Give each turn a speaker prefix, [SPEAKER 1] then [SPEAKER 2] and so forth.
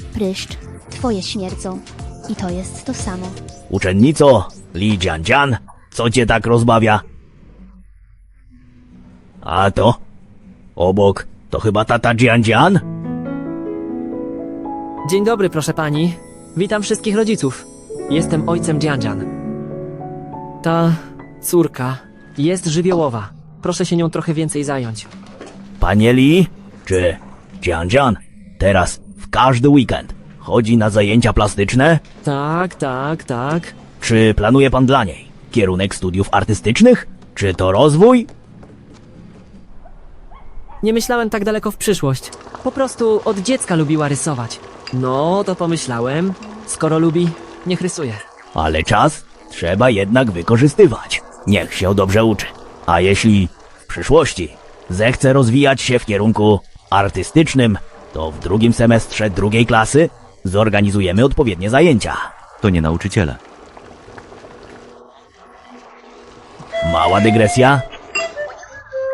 [SPEAKER 1] Pryszcz, twoje śmierdzą. I to jest to samo.
[SPEAKER 2] Uczennico, Li Jianjian, co cię tak rozbawia? A to? Obok, to chyba tata Jianjian?
[SPEAKER 3] Dzień dobry, proszę pani. Witam wszystkich rodziców. Jestem ojcem Jianjian. Ta córka jest żywiołowa. Proszę się nią trochę więcej zająć.
[SPEAKER 2] Panie Li, czy Jianjian teraz w każdy weekend chodzi na zajęcia plastyczne?
[SPEAKER 3] Tak.
[SPEAKER 2] Czy planuje pan dla niej kierunek studiów artystycznych? Czy to rozwój?
[SPEAKER 3] Nie myślałem tak daleko w przyszłość. Po prostu od dziecka lubiła rysować. No, to pomyślałem, skoro lubi, niech rysuje.
[SPEAKER 2] Ale czas trzeba jednak wykorzystywać. Niech się dobrze uczy. A jeśli w przyszłości zechce rozwijać się w kierunku artystycznym, to w drugim semestrze drugiej klasy zorganizujemy odpowiednie zajęcia.
[SPEAKER 4] To nie nauczyciele.
[SPEAKER 2] Mała dygresja.